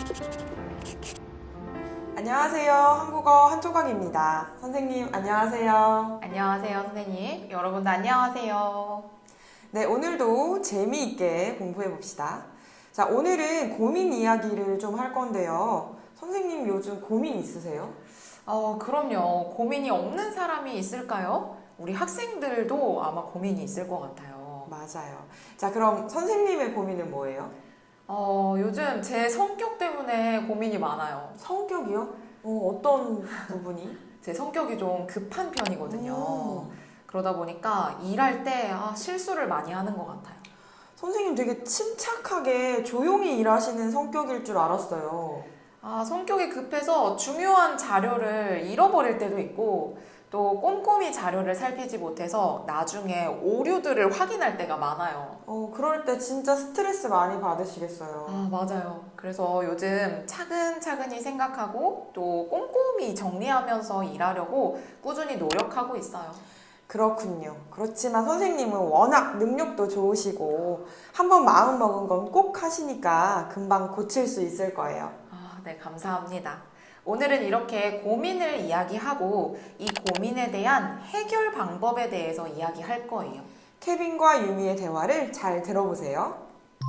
안녕하세요. 한국어 한조각입니다. 선생님, 안녕하세요. 안녕하세요, 선생님. 여러분도 안녕하세요. 네, 오늘도 재미있게 공부해 봅시다. 자, 오늘은 고민 이야기를 좀 할 건데요. 선생님, 요즘 고민 있으세요? 그럼요. 고민이 없는 사람이 있을까요? 우리 학생들도 아마 고민이 있을 것 같아요. 맞아요. 자, 그럼 선생님의 고민은 뭐예요? 요즘 제 성격 때문에 고민이 많아요. 성격이요? 어떤 부분이? 제 성격이 좀 급한 편이거든요. 오, 그러다 보니까 일할 때 실수를 많이 하는 것 같아요. 선생님 되게 침착하게 조용히 일하시는 성격일 줄 알았어요. 성격이 급해서 중요한 자료를 잃어버릴 때도 있고, 또 꼼꼼히 자료를 살피지 못해서 나중에 오류들을 확인할 때가 많아요. 그럴 때 진짜 스트레스 많이 받으시겠어요. 맞아요. 그래서 요즘 차근차근히 생각하고 또 꼼꼼히 정리하면서 일하려고 꾸준히 노력하고 있어요. 그렇군요. 그렇지만 선생님은 워낙 능력도 좋으시고 한번 마음 먹은 건 꼭 하시니까 금방 고칠 수 있을 거예요. 네, 감사합니다. 오늘은 이렇게 고민을 이야기하고 이 고민에 대한 해결 방법에 대해서 이야기할 거예요. 케빈과 유미의 대화를 잘 들어보세요.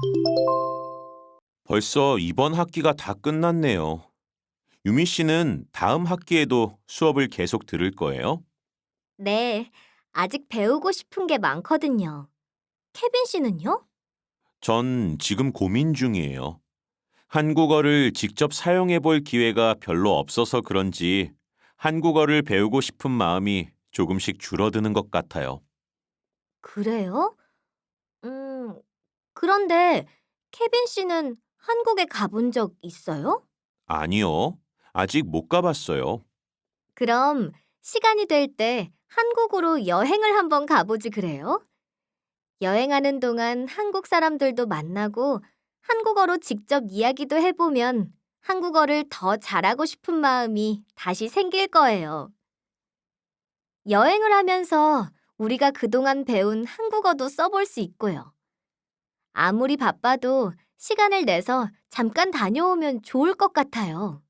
벌써 이번 학기가 다 끝났네요. 유미 씨는 다음 학기에도 수업을 계속 들을 거예요? 네, 아직 배우고 싶은 게 많거든요. 케빈 씨는요? 전 지금 고민 중이에요. 한국어를 직접 사용해 볼 기회가 별로 없어서 그런지 한국어를 배우고 싶은 마음이 조금씩 줄어드는 것 같아요. 그래요? 그런데 케빈 씨는 한국에 가본 적 있어요? 아니요. 아직 못 가봤어요. 그럼 시간이 될 때 한국으로 여행을 한번 가보지 그래요? 여행하는 동안 한국 사람들도 만나고 한국어로 직접 이야기도 해보면 한국어를 더 잘하고 싶은 마음이 다시 생길 거예요. 여행을 하면서 우리가 그동안 배운 한국어도 써볼 수 있고요. 아무리 바빠도 시간을 내서 잠깐 다녀오면 좋을 것 같아요.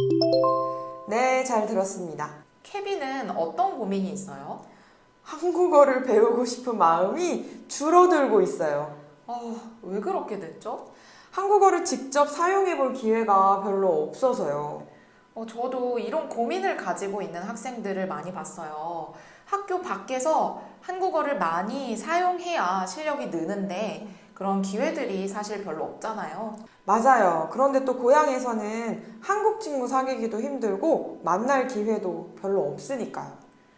네, 잘 들었습니다. 케빈은 어떤 고민이 있어요? 한국어를 배우고 싶은 마음이 줄어들고 있어요. 왜 그렇게 됐죠? 한국어를 직접 사용해 볼 기회가 별로 없어서요. 저도 이런 고민을 가지고 있는 학생들을 많이 봤어요. 학교 밖에서 한국어를 많이 사용해야 실력이 느는데 그런 기회들이 사실 별로 없잖아요. 맞아요. 그런데 또 고향에서는 한국 친구 사귀기도 힘들고 만날 기회도 별로 없으니까요.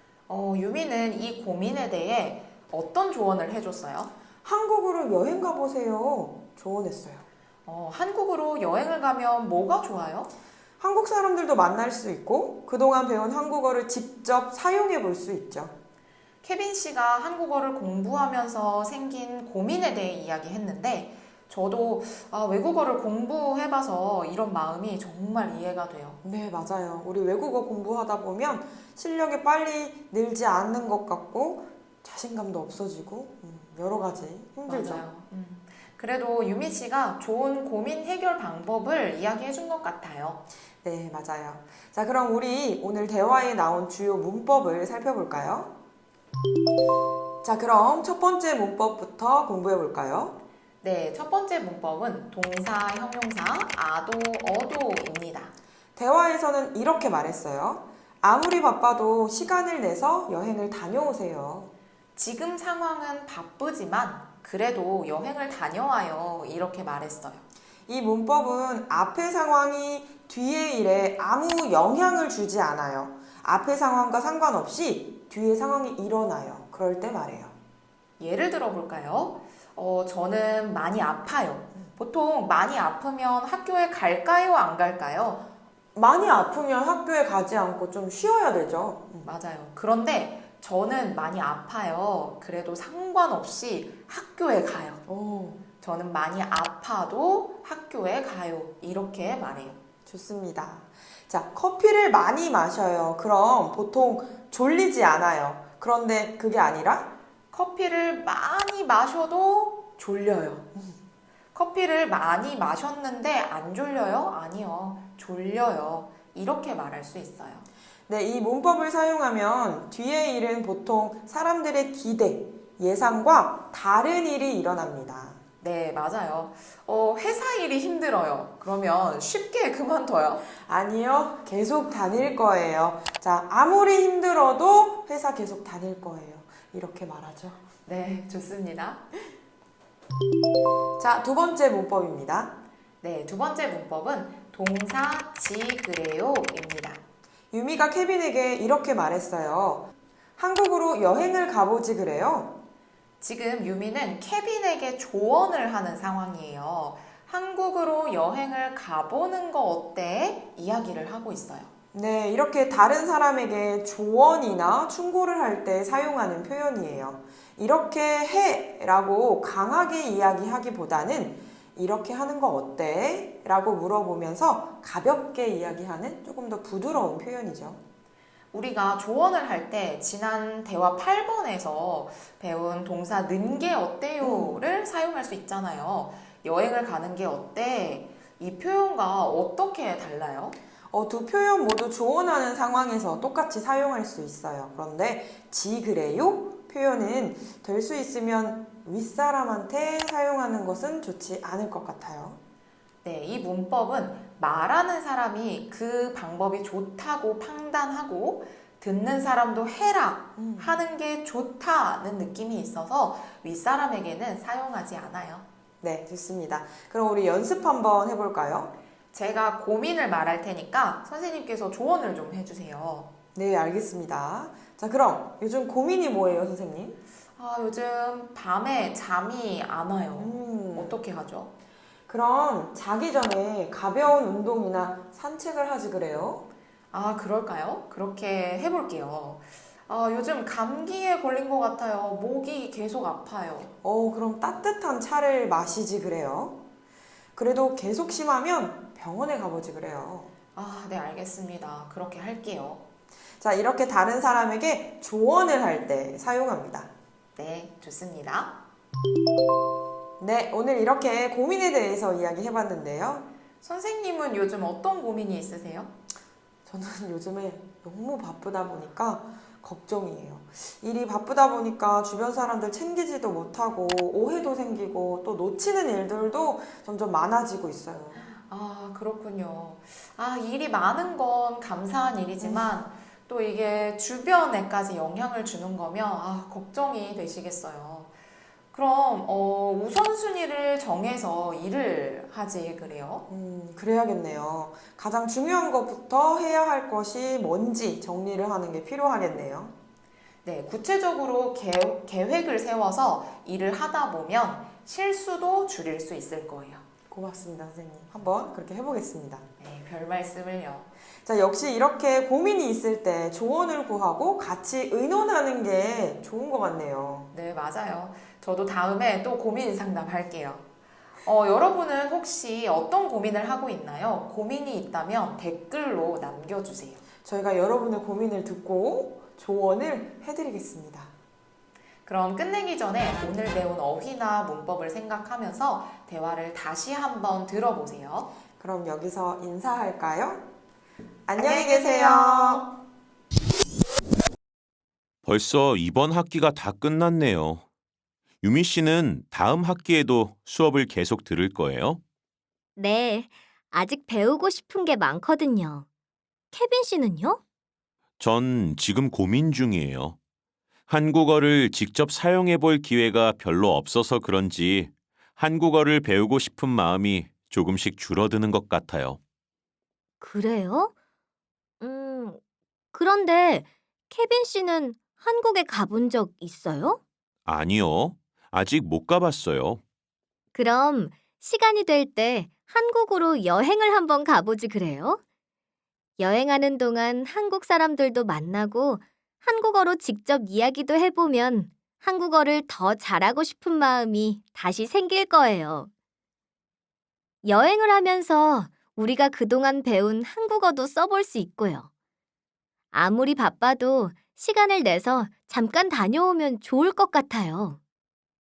유미는 이 고민에 대해 어떤 조언을 해줬어요? 한국으로 여행 가보세요. 조언했어요. 한국으로 여행을 가면 뭐가 좋아요? 한국 사람들도 만날 수 있고 그동안 배운 한국어를 직접 사용해 볼 수 있죠. 케빈 씨가 한국어를 공부하면서 생긴 고민에 대해 이야기했는데 저도 외국어를 공부해봐서 이런 마음이 정말 이해가 돼요. 네, 맞아요. 우리 외국어 공부하다 보면 실력이 빨리 늘지 않는 것 같고 자신감도 없어지고 여러 가지 힘들죠. 맞아요. 그래도 유미 씨가 좋은 고민 해결 방법을 이야기해 준 것 같아요. 네, 맞아요. 자, 그럼 우리 오늘 대화에 나온 주요 문법을 살펴볼까요? 자, 그럼 첫 번째 문법부터 공부해 볼까요? 네, 첫 번째 문법은 동사, 형용사, 아도, 어도입니다. 대화에서는 이렇게 말했어요. 아무리 바빠도 시간을 내서 여행을 다녀오세요. 지금 상황은 바쁘지만 그래도 여행을 다녀와요. 이렇게 말했어요. 이 문법은 앞의 상황이 뒤의 일에 아무 영향을 주지 않아요. 앞의 상황과 상관없이 뒤의 상황이 일어나요. 그럴 때 말해요. 예를 들어 볼까요? 저는 많이 아파요. 보통 많이 아프면 학교에 갈까요? 안 갈까요? 많이 아프면 학교에 가지 않고 좀 쉬어야 되죠. 맞아요. 그런데 저는 많이 아파요. 그래도 상관없이 학교에 가요. 저는 많이 아파도 학교에 가요. 이렇게 말해요. 좋습니다. 자, 커피를 많이 마셔요. 그럼 보통 졸리지 않아요. 그런데 그게 아니라 커피를 많이 마셔도 졸려요. 커피를 많이 마셨는데 안 졸려요? 아니요, 졸려요. 이렇게 말할 수 있어요. 네, 이 문법을 사용하면 뒤의 일은 보통 사람들의 기대, 예상과 다른 일이 일어납니다. 네, 맞아요. 회사 일이 힘들어요. 그러면 쉽게 그만둬요? 아니요, 계속 다닐 거예요. 자, 아무리 힘들어도 회사 계속 다닐 거예요. 이렇게 말하죠. 네, 좋습니다. 자, 두 번째 문법입니다. 네, 두 번째 문법은 동사 지 그래요입니다. 유미가 케빈에게 이렇게 말했어요. 한국으로 여행을 가보지 그래요? 지금 유미는 케빈에게 조언을 하는 상황이에요. 한국으로 여행을 가보는 거 어때? 이야기를 하고 있어요. 네, 이렇게 다른 사람에게 조언이나 충고를 할 때 사용하는 표현이에요. 이렇게 해 라고 강하게 이야기하기보다는 이렇게 하는 거 어때? 라고 물어보면서 가볍게 이야기하는 조금 더 부드러운 표현이죠. 우리가 조언을 할 때 지난 대화 8번에서 배운 동사 는 게 어때요를 사용할 수 있잖아요. 여행을 가는 게 어때? 이 표현과 어떻게 달라요? 두 표현 모두 조언하는 상황에서 똑같이 사용할 수 있어요. 그런데 지 그래요? 표현은 될 수 있으면 윗사람한테 사용하는 것은 좋지 않을 것 같아요. 네, 이 문법은 말하는 사람이 그 방법이 좋다고 판단하고 듣는 사람도 해라 하는 게 좋다는 느낌이 있어서 윗사람에게는 사용하지 않아요. 네, 좋습니다. 그럼 우리 연습 한번 해볼까요? 제가 고민을 말할 테니까 선생님께서 조언을 좀 해주세요. 네, 알겠습니다. 자, 그럼 요즘 고민이 뭐예요, 선생님? 요즘 밤에 잠이 안 와요. 음, 어떻게 하죠? 그럼 자기 전에 가벼운 운동이나 산책을 하지 그래요? 그럴까요? 그렇게 해볼게요. 요즘 감기에 걸린 것 같아요. 목이 계속 아파요. 그럼 따뜻한 차를 마시지 그래요? 그래도 계속 심하면 병원에 가보지 그래요. 네, 알겠습니다. 그렇게 할게요. 자, 이렇게 다른 사람에게 조언을 할 때 사용합니다. 네, 좋습니다. 네, 오늘 이렇게 고민에 대해서 이야기해봤는데요. 선생님은 요즘 어떤 고민이 있으세요? 저는 요즘에 너무 바쁘다 보니까 걱정이에요. 일이 바쁘다 보니까 주변 사람들 챙기지도 못하고 오해도 생기고 또 놓치는 일들도 점점 많아지고 있어요. 그렇군요. 일이 많은 건 감사한 일이지만 또 이게 주변에까지 영향을 주는 거면 걱정이 되시겠어요. 그럼 우선순위를 정해서 일을 하지 그래요? 그래야겠네요. 가장 중요한 것부터 해야 할 것이 뭔지 정리를 하는 게 필요하겠네요. 네, 구체적으로 계획을 세워서 일을 하다 보면 실수도 줄일 수 있을 거예요. 고맙습니다, 선생님. 한번 그렇게 해보겠습니다. 네, 별 말씀을요. 자, 역시 이렇게 고민이 있을 때 조언을 구하고 같이 의논하는 게 좋은 것 같네요. 네, 맞아요. 저도 다음에 또 고민 상담할게요. 여러분은 혹시 어떤 고민을 하고 있나요? 고민이 있다면 댓글로 남겨주세요. 저희가 여러분의 고민을 듣고 조언을 해드리겠습니다. 그럼 끝내기 전에 오늘 배운 어휘나 문법을 생각하면서 대화를 다시 한번 들어보세요. 그럼 여기서 인사할까요? 안녕히 계세요. 벌써 이번 학기가 다 끝났네요. 유미 씨는 다음 학기에도 수업을 계속 들을 거예요? 네, 아직 배우고 싶은 게 많거든요. 케빈 씨는요? 전 지금 고민 중이에요. 한국어를 직접 사용해 볼 기회가 별로 없어서 그런지 한국어를 배우고 싶은 마음이 조금씩 줄어드는 것 같아요. 그래요? 그런데 케빈 씨는 한국에 가본 적 있어요? 아니요. 아직 못 가봤어요. 그럼 시간이 될 때 한국으로 여행을 한번 가보지 그래요? 여행하는 동안 한국 사람들도 만나고 한국어로 직접 이야기도 해보면 한국어를 더 잘하고 싶은 마음이 다시 생길 거예요. 여행을 하면서 우리가 그동안 배운 한국어도 써볼 수 있고요. 아무리 바빠도 시간을 내서 잠깐 다녀오면 좋을 것 같아요.